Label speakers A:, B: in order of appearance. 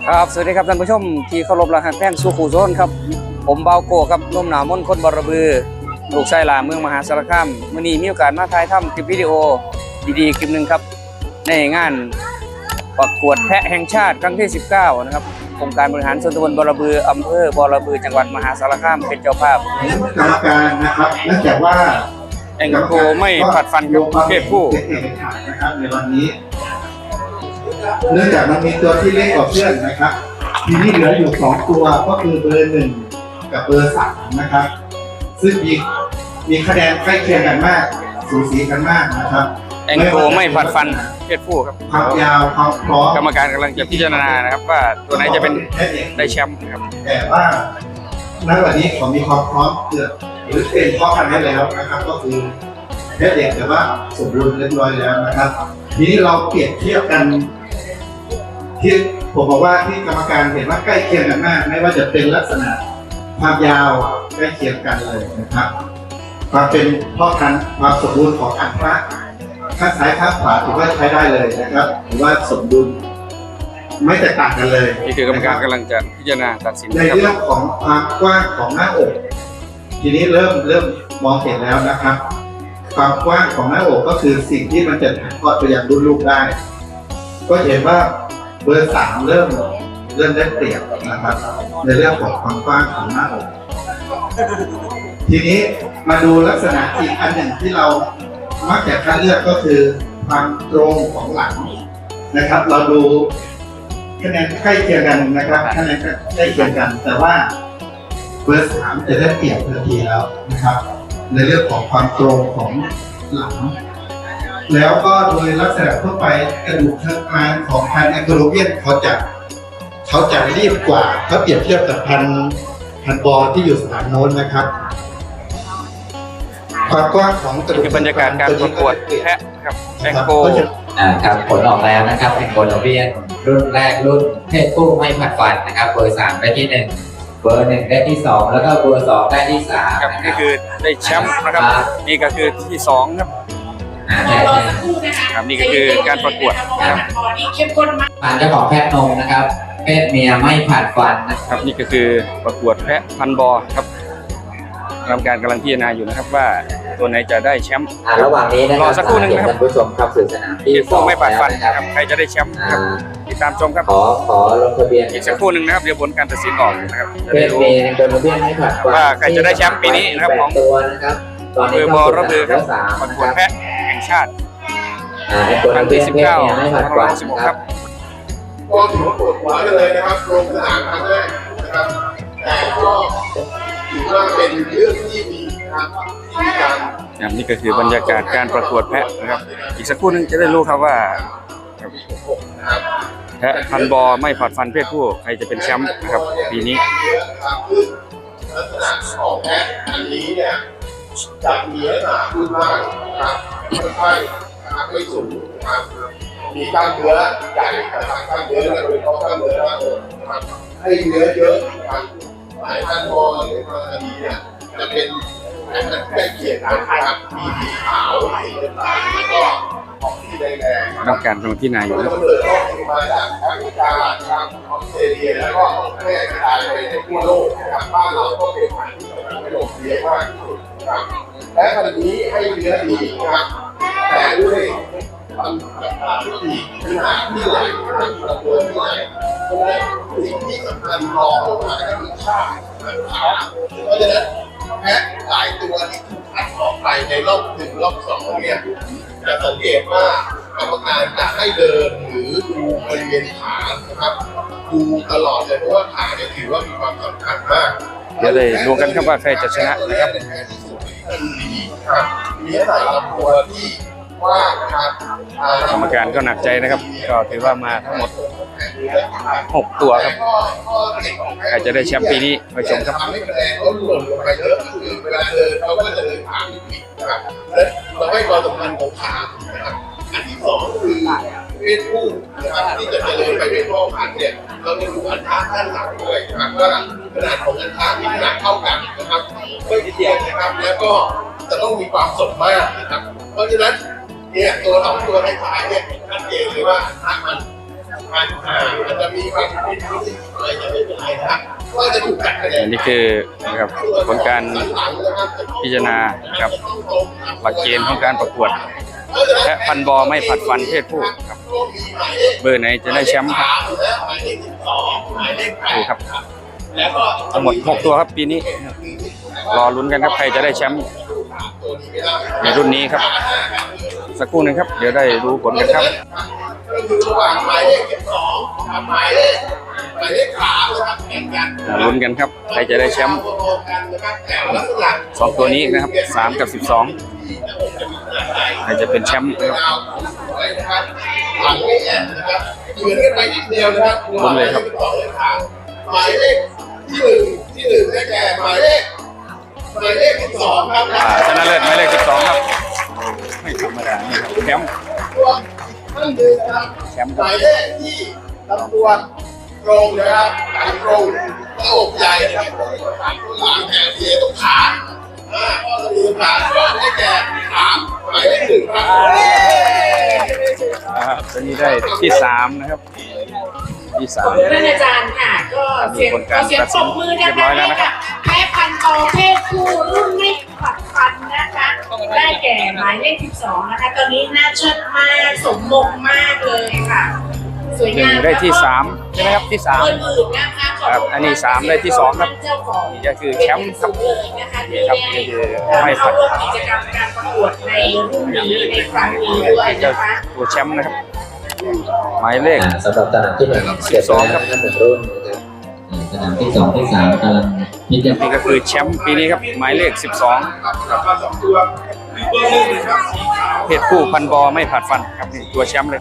A: ครับสวัสดีครับท่านผู้ชมที่เคารพรักแป้งสุขุโซนครับผมเบาโกครับนุ่มหนาวมนคนบรบือลูกชายหลาเมืองมหาสารคามมื้อนี้มีโอกาสมาถ่ายทำคลิปวิดีโอดีๆคลิปหนึ่งครับในงานประกวดแพะแห่งชาติครั้งที่19นะครับองค์การบริหารส่วนตำบลบรบืออำเภอบรบือจังหวัดมหาสารคามเป็นเจ้าภาพ
B: กรรมการนะครับเนื่องจากว่า
A: แองโกไม่ผัดฟันกับเพศผู้
B: นะครับในวันนี้เนื่องจากมันมีตัวที่เล็กกว่าเพื่อนนะครับทีนี้เหลืออยู่2ตัวก็คือเบอร์1กับเบอร์3นะครับซึ่งมีคะแนนใกล้เคียงกันมากสูสีกันมากนะครับ
A: แองโกไม่ผัดฟันเพศผู้ครับ
B: ความยาวความพร้อม
A: กรรมการกำลังจะพิจารณานะครับว่าตัวไหนจะเป็นได้แชมป์ครับ
B: แต่ว่าณวันนี้ผมมีความพร้อมเกือบหรือเป็นพ่อพันธุ์ได้แล้วนะครับก็คือเพศเด็กแต่ว่าสมบูรณ์เรียบร้อยแล้วนะครับทีนี้เราเปรียบเทียบกันที่ผมบอกว่าที่กรรมการเห็นว่าใกล้เคียงกันมากไม่ว่าจะเป็นลักษณะความยาวใกล้เคียงกันเลยนะครับความเป็นพ่อพันธุ์ความสมบูรณ์ของอันพระข้างซ้ายข้างขวาถือว่าใช้ได้เลยนะครับถือว่าสมดุลไม่แตกต่างกันเลย
A: นี่คือกรรมการกำลังจะพิจารณาตัดสิน
B: ในเรื่องของความกว้างของหน้าอกทีนี้เริ่มมองเห็นแล้วนะครับความกว้างของหน้าอกก็คือสิ่งที่มันจะถ่ายทอดไปยังรุ่นลูกได้ก็เห็นว่าเบอร์3เริ่มได้เปรียบนะครับในเรื่องของความกว้างของหน้าอกทีนี้มาดูลักษณะอีกอันหนึ่งที่เรามักจะคัดเลือกก็คือความตรงของหลังนะครับเราดูคะแนนใกล้เคียงกันนะครับคะแนนใกล้เคียงกันแต่ว่าเบอร์3จะได้เปรียบทันทีแล้วนะครับในเรื่องของความตรงของหลังแล้วก็โดยลักษณะทั่วไปกระดูกเชิงกรานของพันธุ์แองโกลเวียนเขาจะรีบกว่าถ้าเปรียบเทียบกับพันธุ์บอที่อยู่สถานโน้นนะครับความกว้างของกระดูก
A: บรรยากาศการประกวดแพะครับแองโก
C: ครับผลออกแล้วนะครับแองโกลเวียนรุ่นแรกรุ่นเพศผู้ไม่ผัดฟันนะครับเบอร์3ได้ที่1เบอร์1ได้ที่2แล้วก็เบอร์2ได้ที่3
A: ครับนี่คือได้แชมป์นะครับนี่ก็คือที่2ครับครับนี่ก็คือการประกวดครับ
C: ผ่านเจ้าของแพะนมนะครับเพศเมียไม่ผัดฟัน
A: นะครับนี่ก็คือประกวดแพะพันบอครับกรรมการกำลังพิจารณาอยู่นะครับว่าตัวไหนจะได้แชมป์
C: ระหว่างนี้นะครับ
A: รอสักครู่นึงนะครับ
C: ท่านผู้ชมครับสื่อสนามที่
A: 2ไม่ผัดฟันครับใครจะได้แชมป์ครับติดตามชมครับ
C: ขอลงทะเบียน
A: อีกสักครู่นึงนะครับเดี๋ยวผลการตัดสินออกนะครับ
C: เพศเมียแองโกลเวียนไม่ผัดฟัน
A: ว่าใครจะได้แชมป์ปีนี้นะครับของ
C: ตัวนะครับ
A: ตอนนี้บอระบือครับประกวดแพะแห่งชาติ
C: ครั้งที่19ไม่ผัดฟันครับ
B: ก็ถือว่าปวดหัวเลยนะครับลงสนามครั้งแรกนะครับแต่ก็ถือว่าเป็นเรื่องที่ดีครับที่การ
A: นี่ก็คือบรรยากาศการประกวดแพะนะครับอีกสักครู่นึงจะได้รู้ครับว่าแพะพันบอไม่ผัดฟันเพศผู้ใครจะเป็นแชมป์นะครับปีนี้
B: ลักษณะของแพะอันนี้เนี่ยจะมีลักษณะขึ้นมากครับค่อยๆไม่สูงครับมีกล้ามเนื้อใหญ่นะครับกล้ามเนื้อและโดยเฉพาะกล้ามเนื้อมากเลยนะครับให้เนื้อเยอะครับหลายท่านมองหรือมาดีเนี่ยจะเป็นใกล้เคียงกันครับมีสีขาวสีน้ำตาลแล้วก็ออกสีแดงๆ
A: ต้องการตรงที่นายอยู่
B: แล้วก็เปิดออกมาจากแอฟริกาทางออสเตรเลียแล้วก็แพร่กระจายไปในทั่วโลกนะครับบ้านเราก็เป็นพันธุ์ที่นิยมเลี้ยงมากที่สุดครับและพันธุ์นี้ให้เนื้อดีนะครับแต่ด้วยขนาดที่ใหญ่นะครับตัวที่ใหญ่เพราะฉะนั้นสิ่งที่สำคัญรองลงมาก็คือค่าเพราะฉะนั้นแพะหลายตัวที่ถูกคัดออกไปในรอบ1รอบ2เนี่ยจะสังเกตว่ากรรมการจะให้เดินหรือดูบริเวณขานะครับดูตลอดเลยเพราะว่าขาเนี่ยถือว่ามีความสำคัญมาก
A: เดี๋ยวเลยดูกันครับว่าใครจะชนะนะครับ
B: มีหลายลำตัวที่ว่างนะครับ
A: กรรมการก็หนักใจนะครับก็ถือว่ามาทั้งหมด6ตัวครับใครจะได้แชมป์ปีนี้ไปชมครับ
B: ทำให้คะแนนเขาหล่นลงไปเยอะคือเวลาเดินเขาก็จะเดินขาไม่ผิดนะครับและเราให้ความสำคัญของขานะครับอันที่2คือเพศผู้นะครับที่จะเดินไปเป็นพ่อพันธุ์เนี่ยเราจะดูอันท่าด้านหลังด้วยนะครับว่าขนาดของอันท่ามีขนาดเท่ากันนะครับไม่เทียบนะครับแล้วก็จะต้องมีความสมมาตรนะครับเพราะฉะนั้นเนี่ยตัว2ตัวท้ายๆเนี่ยชัดเจนเลยว่าอันท่ามัน
D: มันจะมีบางที่อะไรจะไม่เป็นไรนะครับก็จะถูกตัดคะแนน
A: อันนี้คือนะครับผลการพิจารณาครับหลักเกณฑ์ของการประกวดและพันบอไม่ผัดฟันเพศผู้ครับเบอร์ไหนจะได้แชมป์ครับดูครับทั้งหมด6ตัวครับปีนี้รอลุ้นกันครับใครจะได้แชมป์ในรุ่นนี้ครับสักครู่หนึงครับเดี๋ยวได้รู้ผลกันครับ
D: ก็คือระหว่างหมายเลข12กับหมายเลข3นะครับแข่งกัน
A: ลุ้นกันครับใครจะได้แชมป์สองตัวนี้นะครับ3กับ12ใครจะเป็นแชมป์นะครับ
D: หลังนี้นะครับเหมือนกันไปนิดเดียวนะครับหมายเลขที่1ได้แก่หมายเลข12ครับ
A: ชนะเลิศหมายเลข12ครับไม่ธรรมดานี่ครับแชมป์
D: ท่านหนึ่งนะครับ
A: แชมป์
D: หมายเลขที่ลำตัวตรงนะครับหลังตรงหน้าอกใหญ่นะครับหลังแขนเสียตรงขาข้อสะดือขาก็ได้แก่ขาหมายเลข1ครับ
A: ตัวนี้ได้ที่3นะครับที่3
E: ท่านอาจารย์ค่ะก็เสียงปรบมือนะคะให้กับแม่พันธุ์โตเพศผู้รุ่นไม่ผัดฟันนะคะ ได้แก่หมายเลข12นะคะตอนนี้น่าเชิดมากสมมงมากเลยค่ะสวยงาม
A: ได้ที่3ใช่ไหมครับที่3
E: อื่นๆนะคะ
A: ครับอันนี้3ได้ที่2ครับ
E: เจ้าของ
A: นี่ก็คือแชมป์ครับ
E: เลยนะคะที่
A: ครับ
E: ได้
A: นี่คือไม่ผั
E: เข้า
A: ด
E: ร่วมกิจกรรมการประกวดในรุ่นนี้ในครั้งนี้ด้วย
A: เจ้า
E: นะคะ
A: ตัวแชมป์นะครับหมายเลข
C: สำหรับสนามที่1เก็บไปแล้วนะครับ1รุ่นนะครับสนามที่2ที่3กำลังพิจาร
A: นี่
C: ณา
A: ก็คือแชมป์ปีนี้ครับหมายเลข12เพศผู้พันบอไม่ผัดฟันครับนี่ตัวแชมป์เลย